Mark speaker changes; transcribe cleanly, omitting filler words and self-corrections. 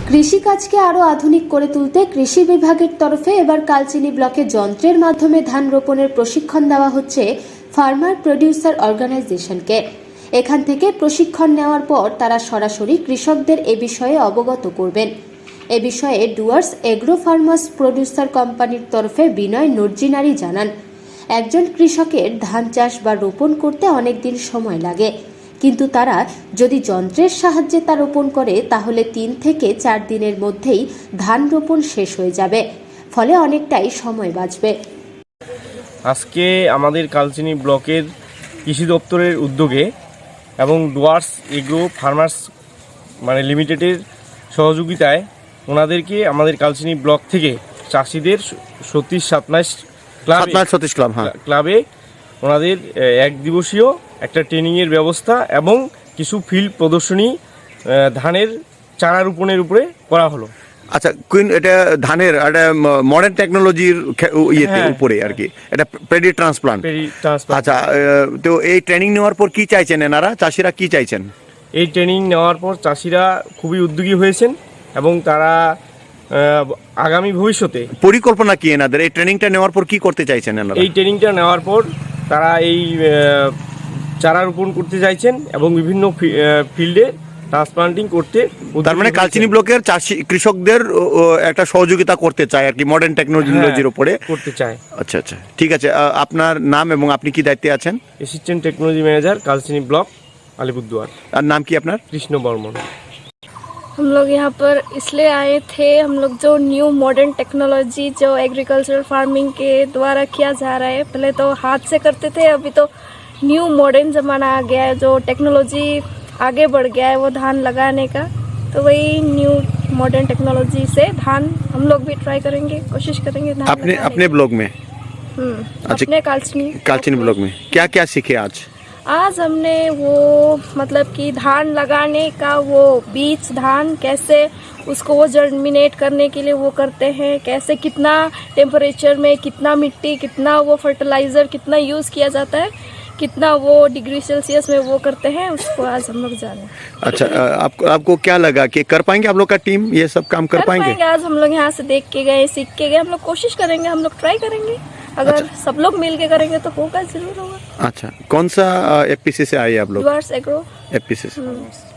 Speaker 1: কৃষিকাজকে আরও আধুনিক করে তুলতে কৃষি বিভাগের তরফে এবার কালচিনি ব্লকে যন্ত্রের মাধ্যমে ধান রোপণের প্রশিক্ষণ দেওয়া হচ্ছে ফার্মার প্রডিউসার অর্গানাইজেশনকে। এখান থেকে প্রশিক্ষণ নেওয়ার পর তারা সরাসরি কৃষকদের এ বিষয়ে অবগত করবেন। এ বিষয়ে ডুয়ার্স এগ্রো ফার্মার্স প্রডিউসার কোম্পানির তরফে বিনয় নর্জিনারি জানান, একজন কৃষকের ধান চাষ বা রোপণ করতে অনেক দিন সময় লাগে, কিন্তু তারা যদি যন্ত্রের সাহায্যে তা রোপণ করে তাহলে 3 থেকে 4 দিনের মধ্যেই ধান রোপণ শেষ হয়ে যাবে, ফলে অনেকটাই সময় বাঁচবে।
Speaker 2: আজকে আমাদের কালচিনি ব্লকের কৃষি দপ্তরের উদ্যোগে এবং ডুয়ার্স এগ্রো ফার্মার্স লিমিটেডের সহযোগিতায় ওনাদেরকে আমাদের কালচিনি ব্লক থেকে চাষিদের 37 ক্লাবে ওনাদের এক দিবসীয় একটা ট্রেনিংয়ের ব্যবস্থা এবং কিছু ফিল্ড প্রদর্শনী ধানের চারা রোপণের উপরে করা হলো।
Speaker 3: আচ্ছা, এটা ধানের একটা মডার্ন টেকনোলজির উপরে আর কি, এটা পেডি ট্রান্সপ্লান্ট। আচ্ছা, তো এই ট্রেনিং নেওয়ার পর কি চাইছেন এনারা, চাষিরা কি চাইছেন?
Speaker 2: এই ট্রেনিং নেওয়ার পর চাষিরা খুবই উদ্যোগী হয়েছেন এবং তারা আগামী ভবিষ্যতে
Speaker 3: পরিকল্পনা কি এনাদের এই ট্রেনিংটা নেওয়ার পর কি করতে চাইছেন এনারা?
Speaker 2: এই ট্রেনিংটা নেওয়ার পর তারা এই চারা রোপণ করতে চাইছেন এবং বিভিন্ন ফিল্ডে ট্রান্সপ্লান্টিং করতে।
Speaker 3: তার মানে কালচিনি ব্লকের চাষি কৃষকদের একটা সহযোগিতা করতে চায় আর কি, মডার্ন টেকনোলজির উপরে করতে চায়। আচ্ছা আচ্ছা, ঠিক আছে। আপনার নাম এবং আপনি কি দায়িত্বে আছেন?
Speaker 2: Assistant technology manager, Kalchini block, Alipurduar.
Speaker 3: আর নাম কি আপনার?
Speaker 2: কৃষ্ণ বর্মন।
Speaker 4: हम लोग यहाँ पर इसलिए आए थे, हम लोग जो न्यू मॉडर्न टेक्नोलॉजी जो एग्रीकल्चरल फार्मिंग के द्वारा किया जा रहा है, पहले तो हाथ से करते थे, अभी तो न्यू मॉडर्न ज़माना आ गया है, जो टेक्नोलॉजी आगे बढ़ गया है वो धान लगाने का, तो वही न्यू मॉडर्न टेक्नोलॉजी से धान हम लोग भी ट्राई करेंगे, कोशिश करेंगे धान
Speaker 3: अपने ब्लॉग में।
Speaker 4: अपने
Speaker 3: कालचिनी ब्लॉग में क्या क्या सीखे
Speaker 4: आज हमने वो मतलब कि धान लगाने का वो बीज धान कैसे उसको वो जर्मिनेट करने के लिए वो करते हैं, कैसे कितना टेम्परेचर में कितना मिट्टी कितना वो फर्टिलाइज़र कितना यूज़ किया जाता है, कितना वो डिग्री सेल्सियस में वो करते हैं, उसको आज हम लोग जाने।
Speaker 3: अच्छा, आपको क्या लगा कि कर पाएंगे आप लोग का टीम ये सब काम कर पाएंगे?
Speaker 4: आज हम लोग यहाँ से देख के गए, सीख के गए, हम लोग कोशिश करेंगे, हम लोग ट्राई करेंगे, अगर सब लोग मिल के करेंगे तो होगा, जरूर होगा।
Speaker 3: अच्छा, कौन सा एफपीसी से आए आप लोग?
Speaker 4: डुआर्स एग्रो
Speaker 3: एफपीसी से।